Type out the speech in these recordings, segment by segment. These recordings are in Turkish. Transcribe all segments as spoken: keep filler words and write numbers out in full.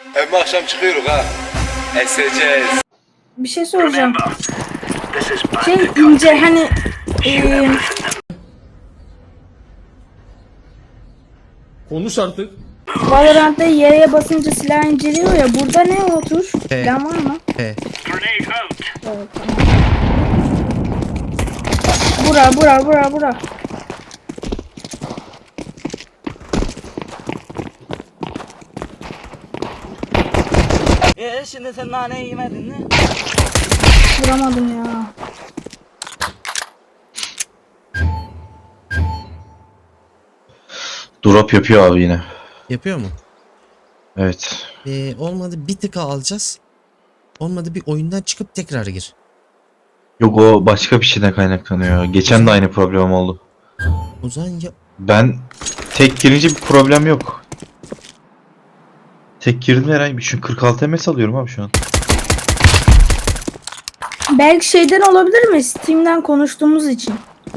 Hem akşam çıkıyoruz ha. Eseceğiz. Bir şey soracağım. Şey ince hani eee Konuş artık. Valorant'ta yere basınca silah inceliyor ya. Burada ne o tuş? P. Plan var mı? P. Evet, tamam. Bura bura bura bura. Ee şimdi sen nane yemedin mi? Vuramadım ya. Drop yapıyor abi yine. Yapıyor mu? Evet. Ee, olmadı bir tıka alacağız. Olmadı bir oyundan çıkıp tekrar gir. Yok, o başka bir şeyden kaynaklanıyor. Geçen de aynı problem oldu. O zaman ya Ben tek girince bir problem yok. Tek girdim herhangi bir şu kırk altı M S alıyorum abi şu an. Belki şeyden olabilir mi? Steam'den konuştuğumuz için.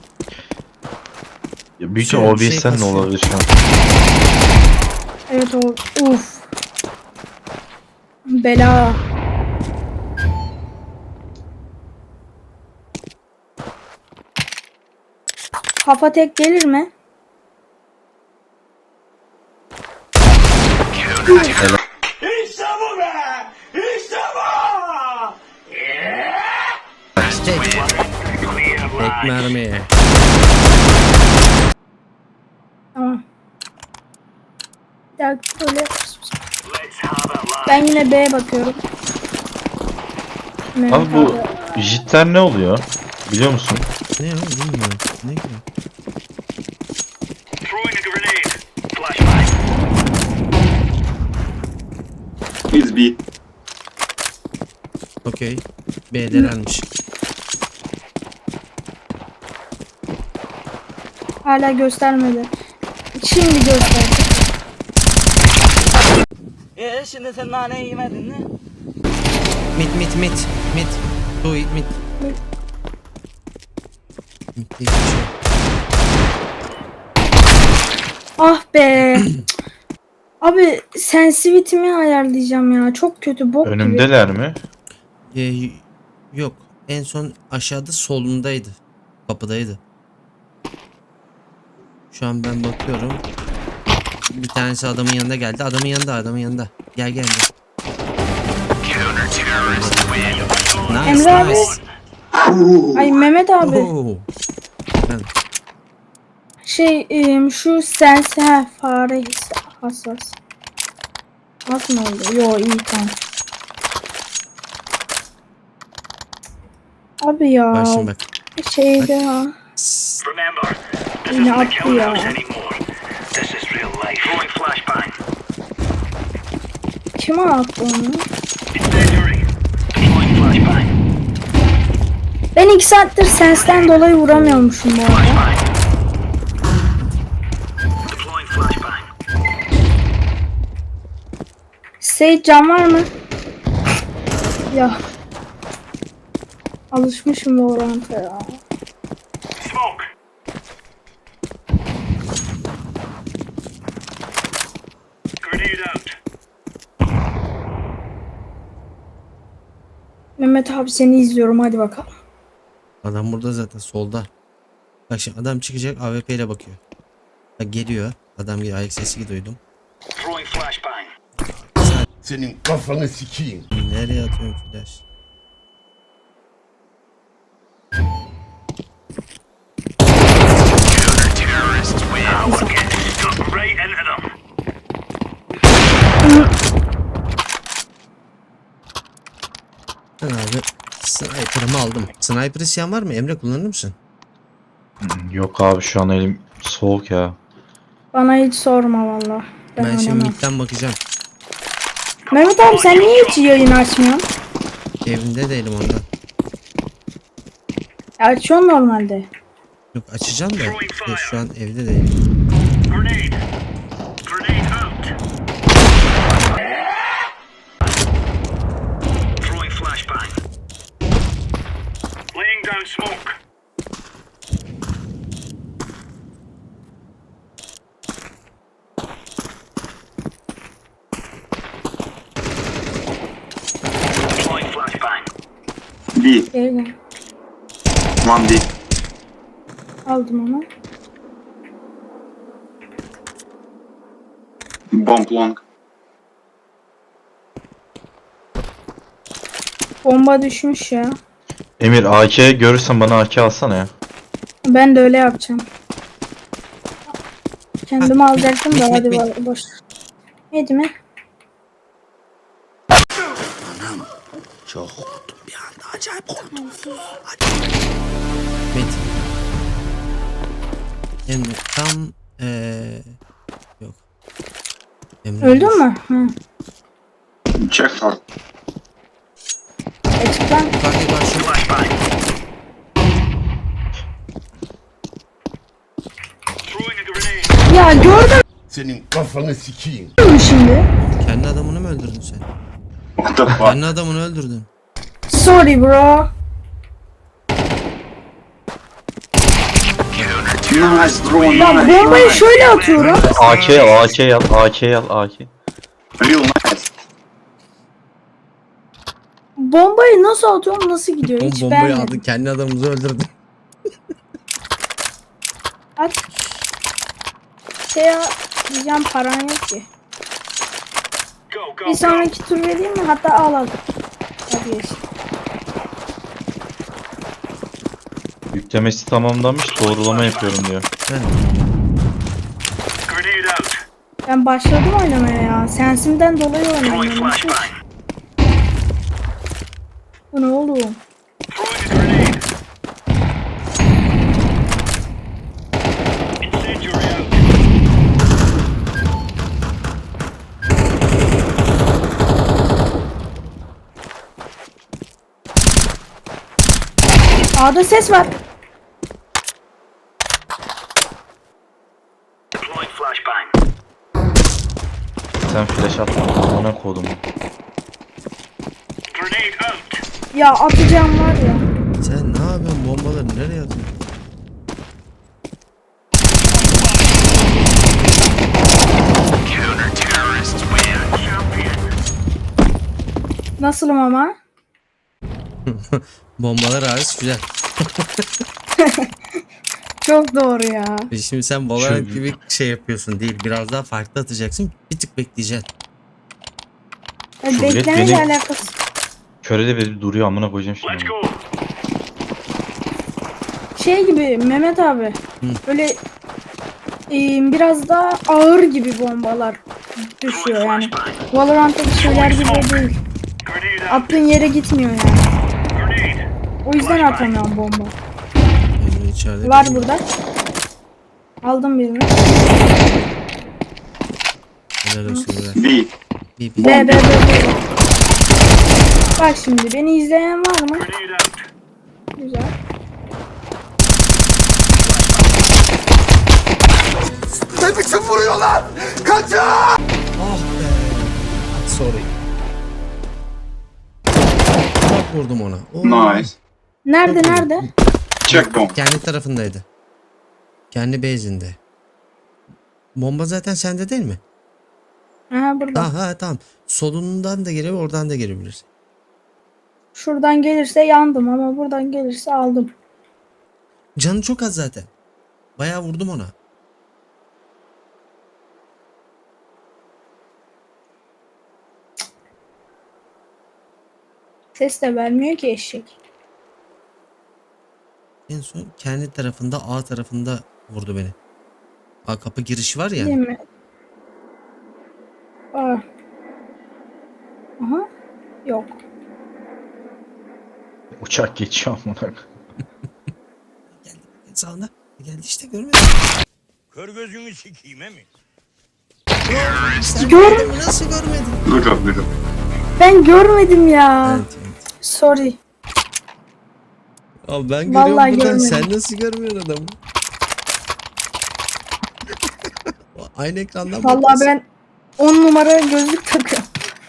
Ya büyük Şey- ihtimal şey O B S'ten de kasıyor. olabilir şu an. Evet o. Uf. Bela. Kafa tek gelir mi? tek. Tek mermi. Tamam. Bir dakika böyle. Ben yine B'ye bakıyorum. Abi Mehmet bu jitler ne oluyor? Biliyor musun? Ne o bilmiyorum. Ne ki? Biz bir. Okey. B'delermiş. Hala göstermedi. Şimdi gösterdi. Ee şimdi sen nane yemedin mi? Mit mit mit. Mit. Do it mit. Mit. Mit diye bir şey. Ah be. Abi sensitivity'mi ayarlayacağım ya. Çok kötü bok gibi. Önümdeler mi? Ee, y- yok. En son aşağıda solundaydı. Kapıdaydı. Şu an ben bakıyorum. Bir tanesi adamın yanında geldi. Adamın yanında, adamın yanında. Gel gel gel. Nice, Emre abi. nice. Ay Mehmet abi. Oo. Ben- Şey em, şu sensi ha, fare his- hassas. Az mı oldu? Yo iyi tamam. Abi ya. Bak şimdi bak. Şeyde ya. Sss. Yine attı ya. Kime attı onu? Ben iki saattir sensten dolayı vuramıyormuşum bu arada. Sage can var mı? Ya. Alışmışım bu oranta ya. Mehmet abi seni izliyorum hadi bakalım. Adam burada zaten solda. Bak şimdi adam çıkacak A W P ile bakıyor. Bak geliyor. Adam geliyor. Ayak sesi duydum. Senin kafanı sikeyim. Nereye atıyorum flash? Ben abi sniper'ımı aldım. Sniper isyan var mı? Emre kullanır mısın? Yok abi şu an elim soğuk ya. Bana hiç sorma valla. Ben, Ben şimdi oynamam. midden bakacağım. Mehmet abi sen niye hiç yayın açmıyorsun? Evinde değilim ondan. Açıyorsun normalde. Yok açacağım da ya şu an evde değilim. B. Gel gel. One B. Aldım onu. Bomb long. Bomba düşmüş ya. Emir A K görürsen bana A K alsana ya. Ben de öyle yapacağım. Kendimi Ha, alacaktım bit, da bit, hadi bit. ba- boş. Neydi mi? Met. Emre tam eee yok. Emre Öldün ölmüş. mü? Hı. Check hard. Açık lan. Yukarıda var şu. Ya gördün Senin kafanı sikeyim. mü şimdi? Kendi adamını mı öldürdün sen? What the fuck? Kendi adamını öldürdün. Sorry bro. Nice bro, Ya nice. bombayı şöyle atıyorum. A K al A K al A K al A K. Real nice. Bombayı nasıl atıyorum, nasıl gidiyor? O Hiç bombayı beğenmedim. aldı. Kendi adamımızı öldürdün. At. Şey ya, diyeceğim paran yok ki. Bir sonraki tur vereyim mi? Hatta al al. Hadi geç. Yüklemesi tamamlanmış, doğrulama yapıyorum diyor. Ben Ben başladım oynamaya ya. Sensimden dolayı oynuyorum. Bu ne oğlum? A'da ses var. Sen flash atma, ona kodum. Ya atacağım var ya. sen ne yapıyorsun? Bombaları nereye atıyorsun? Nasılım ama? Bombalar hariç güzel. Çok doğru ya. E Şimdi sen Valorant Şu- gibi şey yapıyorsun değil. Biraz daha farklı atacaksın. Bir tık bekleyeceksin. Ya Şu bilet beklemeyle benim- alakası. Körede bir duruyor, amına koyacağım şimdi. Şey gibi Mehmet abi. Hı. Böyle e, biraz daha ağır gibi bombalar düşüyor yani. Valorant'taki şeyler gibi değil. Attığın yere gitmiyor yani. O yüzden atamıyorum bomba. Emre içeride. Var değil mi? burada. Aldım birini. Helal olsun be. B. Bir, B bir. B B B. Bak şimdi beni izleyen var mı? Güzel. Ne biçim vuruyorlar? Kaçın! Ah be. Sorry. Bak vurdum ona. Oo. Nice. Nerede nerede? Check bomb. Kendi tarafındaydı. Kendi base'inde. Bomba zaten sende değil mi? Ha burada. Aha tamam. Solundan da gelebilir, oradan da gelebilir. Şuradan gelirse yandım ama buradan gelirse aldım. Canı çok az zaten. Bayağı vurdum ona. Ses de vermiyor ki eşek. En son kendi tarafında, A tarafında vurdu beni. A kapı girişi var ya. Değil mi? Aa. Aha. Yok. Uçak geçiyor amına koyayım. Sağında. Geldi işte görmüyor musun? Kör gözünü sikeyim he mi? Sen Gör- görmedin mi? Nasıl görmedin? Good job, good job. Ben görmedim ya. Evet, evet. Sorry. Abi ben Vallahi görüyorum buradan. görmedim. Sen nasıl görmüyorsun adamı? Aynı ekrandan Vallahi bakıyorsun. ben on numara gözlük takıyorum.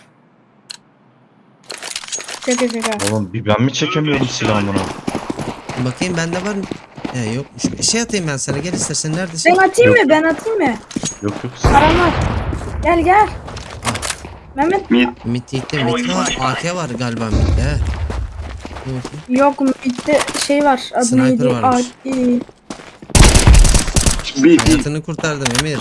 Şaka şaka. Oğlum bir ben mi çekemiyorum silahımı? Bakayım bende var mı? He yokmuş. Şey atayım ben sana. Gel istersen neredesin? Ben atayım Yok. mı? Ben atayım mı? Yok yok. Param var. Gel gel. Mehmet Mid. Mid gitti. Mid var. A K var galiba midde he. Yok midde şey var. Adı Sniper neydi? varmış. A- e, B, B. Hayatını kurtardım Emir.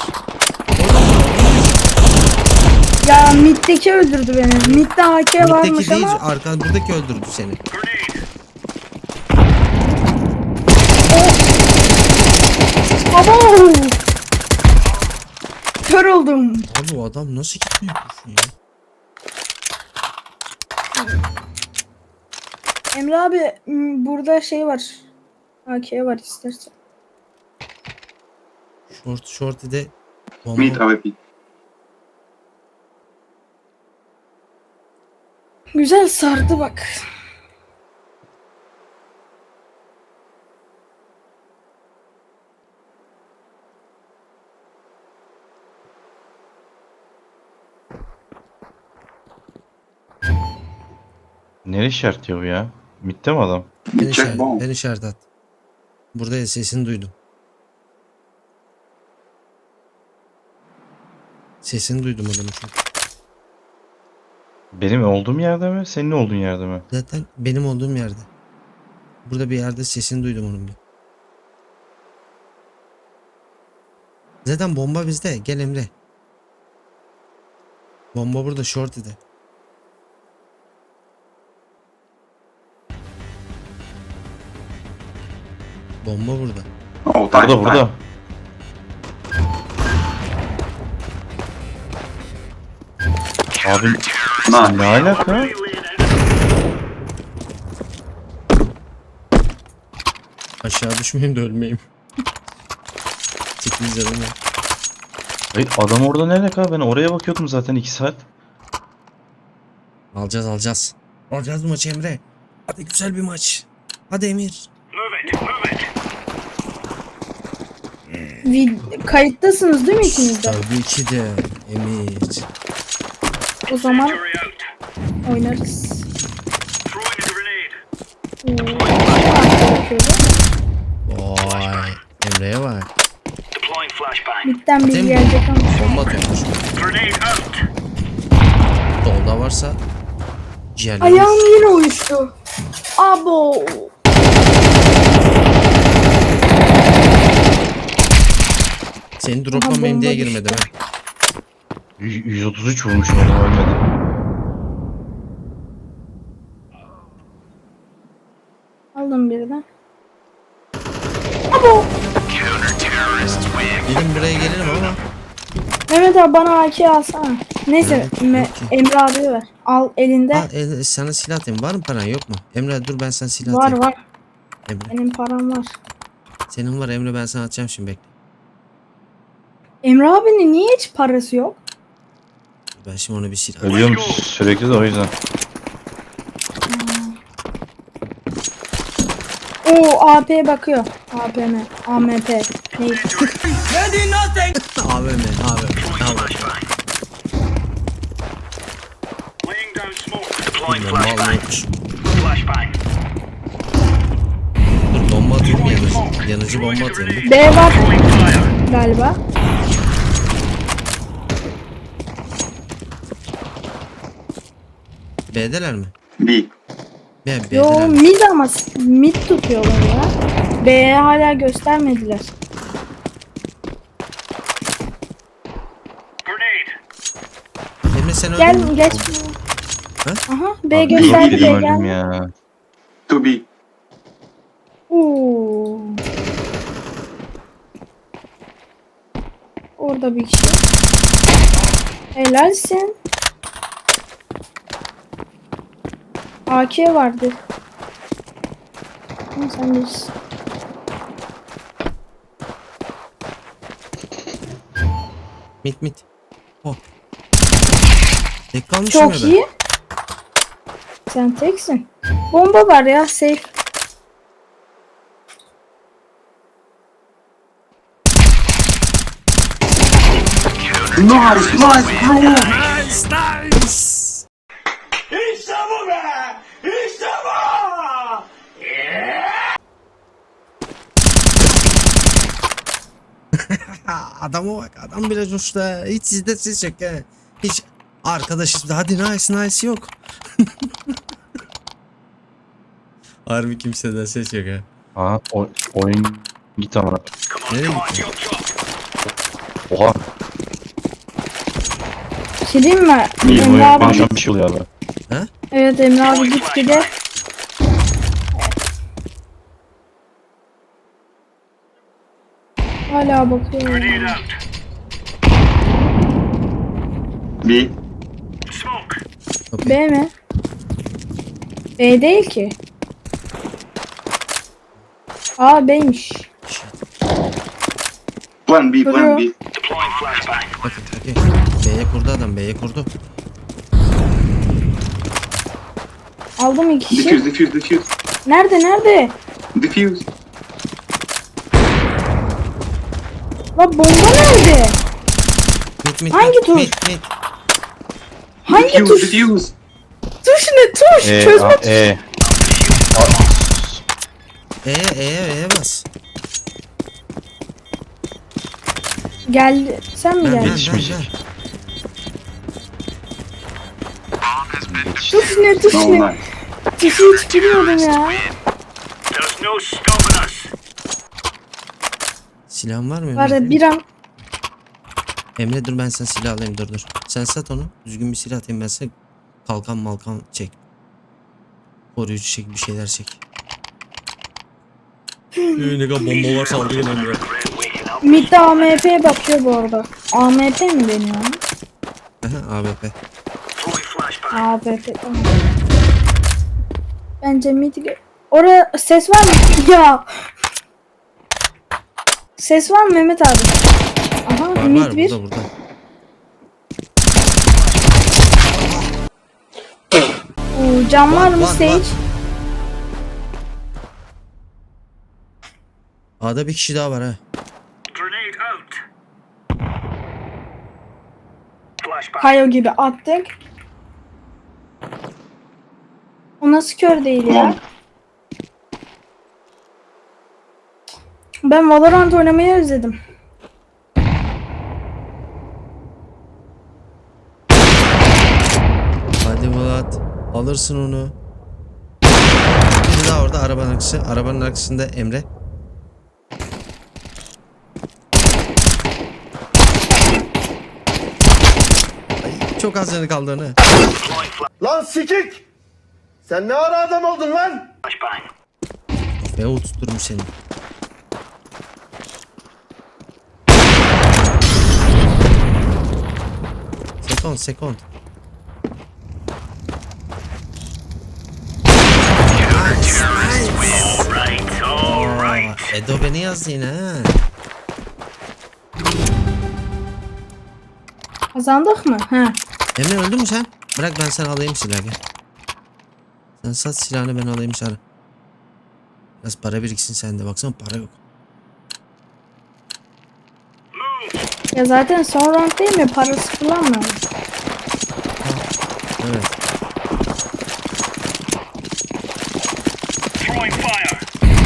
Ya middeki öldürdü beni. Midde A K varmış Mitteki değil, ama arkan buradaki öldürdü seni. abo! Kör oldum. Abi o adam nasıl gitmiyor kurşun ya? Emre abi m, burada şey var. A K var istersen. Short shorty'de bomba. Mid A W P. Güzel sardı bak. Nereye işaretliyor bu ya? Mitte mi adam? Ben, Check işaret, bomb. ben işaret at. Burada sesini duydum. Sesini duydum adamın çünkü. Benim olduğum yerde mi? Senin olduğun yerde mi? Zaten benim olduğum yerde. Burada bir yerde sesini duydum onun bir. Zaten bomba bizde. Gel Emre. Bomba burada shorty'de. Bomba burada. Oh, touch, Burada burada. Abi Nice. ne alaka? Aşağı düşmeyeyim de ölmeyeyim. sekiz canım var. Ay, adam orada ne alaka? Ben oraya bakıyordum zaten iki saat. Alacağız alacağız. Alacağız bu maçı Emre. Hadi güzel bir maç. Hadi Emir. Vid- kayıttasınız değil mi ikiniz de? Tabii ki de Emir. O zaman oynarız. Oo, Vay. Emre'ye bak. midden bir Değil mi? gelecek ama. Bomba atıyormuş. Solda varsa ciğerleri. Ayağım yine uyuştu. Abo. Seni Aha, droplamayayım diye bomba girmedim düştü. ha. Y- yüz otuz üç vurmuşum adam ölmedi. Aldım birden. Abo. Dedim buraya gelirim ama. Mehmet abi bana A K alsana. Neyse Evet, Me- peki. Emre abi ver. Al elinde. Al, e, sana silah atayım. Var mı paran yok mu? Emre dur ben sana silah Var atayım. var. Emre. Benim param var. Senin var Emre ben sana atacağım şimdi bekle. Emre abinin niye hiç parası yok? Ben şimdi ona bir silah atayım. Ölüyorum sürekli de o yüzden. Oo A P bakıyor. A P M. A M P. Neydi? A V M, A V M, A V M. Bomba alıyormuş. Dur bomba atıyorum yanıcı. Yanıcı bomba atıyorum. B var galiba. B'deler mi? B. B, Yo B'deler mi? mid ama mid tutuyorlar ya. B'ye hala göstermediler. Emre sen öldün Gel mü? geç. Ha? Aha B Abi, gösterdi B yedim öldüm gel. ya. To B. Oo. Orada bir kişi. Helalsin. A K vardı. Ama sen bilirsin. Mit mit. Oh. Tek kalmışım Çok ya ben. iyi. Sen teksin. Bomba var ya safe. Nice, nice, bro. Nice nice. İşte bu be! İşte bu! Adama bak adam biraz uçta. Hiç sizde ses yok ha. Hiç arkadaşız hadi nice nice yok. Harbi kimseden ses yok ha. Aa o, oyun git amına. Nereye gitti? Oha. Bir şey diyeyim mi? İyi Emre oyun. abi, Bana şu an bir şey oluyor abi. evet Emre abi gitti de. Hala bakıyor. ya. B. B mi? B değil ki. A B'ymiş. Plan B, plan B. Bakın okey. B'ye kurdu adam, B'ye kurdu. Aldım iki kişi. Defuse, defuse, defuse. Nerede nerede? Defuse. La bomba nerede? Mit mit Hangi mit, tuş? mit mit. Hangi Defuse, tuş? defuse. Tuş ne tuş? E, Çözme a, tuş. e. E'ye E'ye E'ye bas. Geldi. Sen mi Ben ben geldin? ben Yetişmeyecek. ben. Tuş ne tuş No, ne? nice. Tuşu hiç bilmiyordum ya. There's no stopping us. Silahın var mı? Var ya Emre? bir an Emre dur ben sana silah alayım dur dur. Sen sat onu. Düzgün bir silah atayım ben sana. Kalkan malkan çek. Koruyucu çek bir şeyler çek. Ne kadar bomba var saldı yine Emre. midde A M P'ye bakıyor bu arada. A M P mi deniyor? Aha, A W P. A W P tamam. Bence mid... Orada ses var mı? Ya. Ses var mı Mehmet abi? Aha Var mid var bir. burada burada. Oo, cam var Var, mı var, Sage? var. A'da bir kişi daha var ha. Grenade out. Flashbang. Kayo gibi attık. O nasıl kör değil ya? Tamam. Ben Valorant oynamayı özledim. Hadi Vlad. Alırsın onu. Biri daha orada arabanın arkası. Arabanın arkasında Emre. Ay, çok az canı kaldı onu. Lan sikik! Sen ne ara adam oldun lan? Flashbang. Kafaya oturtmuş seni. Sekond sekond. Right, all right. Aa, Edo beni yazdı yine ha. Kazandık mı? Ha. Emre öldün mü sen? Bırak ben sana alayım silahı gel. Sen sat silahını ben alayım sana. Biraz para biriksin sende baksana para yok. Ya zaten son round değil mi? Parası falan mı? Evet. Throwing fire.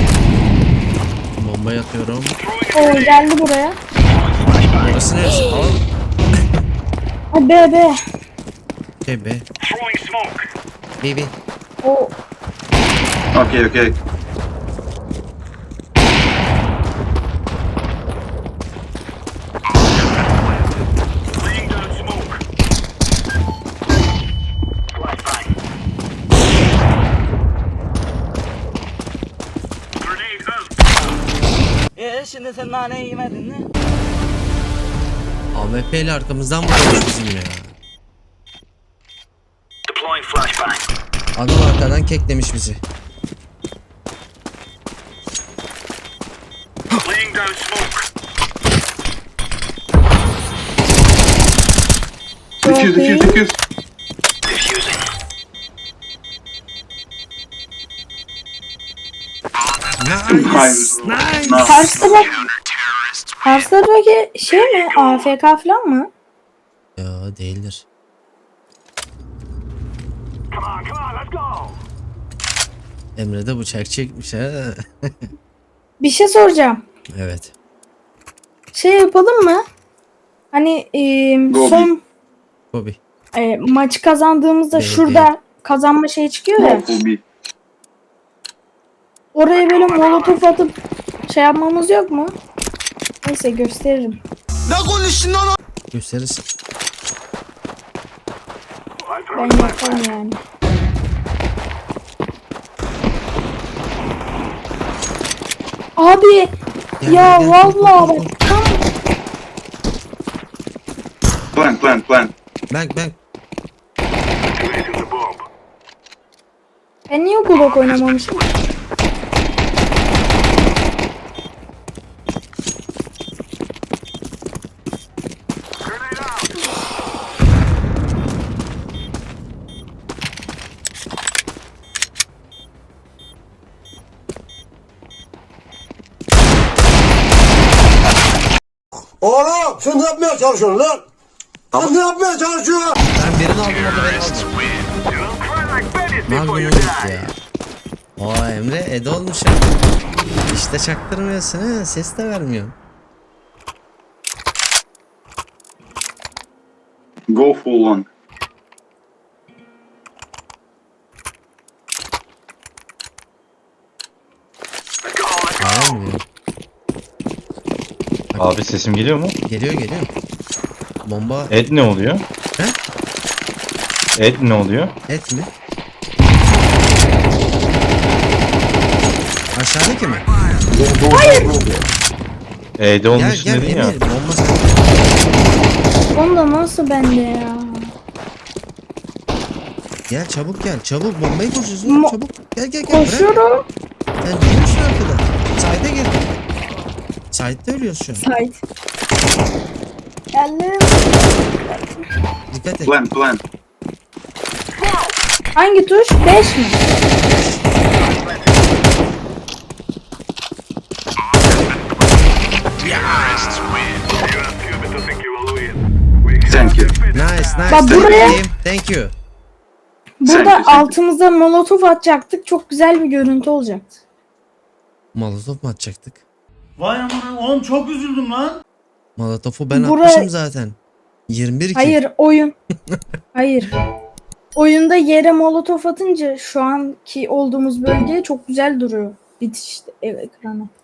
Bomba atıyorum. Oo geldi buraya. Orası neresi? Al. Ha B B. Şey be. Throwing smoke. Baby. O Okay, okay. Laying down smoke. Flashbang. Grenade out. E şimdi sen nane yemedin mi? A W P ile arkamızdan vuruyormuş bizim ya. Deploying flashbang. Adam arkadan keklemiş bizi. Laying down smoke. Defuse, defuse, defuse. Diffusing. Nice. Nice. Nice. karşıda bak. Karşıdaki şey mi? A F K falan mı? Ya değildir. Come on, come on, let's go. Emre de bıçak çekmiş ha. Bir şey soracağım. Evet. Şey yapalım mı? Hani e, Gobi. son Kobi. e, maçı kazandığımızda Değil, şurada kazanma şeyi çıkıyor ya. No, full B. Oraya böyle molotof atıp şey yapmamız yok mu? Neyse gösteririm. Gösterirsin. Ben yaparım yani. Abi Gel, ya gel, gel, vallahi koy, koy, bak tam Plant, plant, plant. Bank bank. ben niye Glock oynamamışım? Oğlum sen ne yapmaya çalışıyorsun lan? Sen ne yapmaya çalışıyorsun? Ben birini aldım o da beni aldı. Magnum'u gitti ya. O Emre Ede olmuş ya. İşte çaktırmıyorsun ha. Ses de vermiyor. Go full on. Ağlamıyor. Abi sesim geliyor mu? Geliyor geliyor. Bomba Et ne oluyor? He? Et ne oluyor? et mi? Aşağıdaki mi? E'de onun Gel için gel dedin ya. Emir. Bomba sende. Onda nasıl bende ya? Gel çabuk gel. Çabuk bombayı koşuyorsun. Mo- Çabuk. Gel gel gel. Bırak. Koşuyorum. Sen duruyorsun arkada. Side'e gir. Side'de ölüyoruz şu an. Sait. Geldim. Dikkat et. Plant, plant. Hangi tuş? beş mi? Thank you. Nice nice. Bak Thank buraya- you. Thank you. Burada Thank you, thank you. altımıza molotof atacaktık. Çok güzel bir görüntü olacaktı. Molotof mu atacaktık? Vay aman oğlum çok üzüldüm lan. Molotof'u ben Buraya- atmışım zaten. yirmi bir kill. Hayır oyun. Hayır. Oyunda yere molotof atınca şu anki olduğumuz bölge çok güzel duruyor. Bitiş ekranı.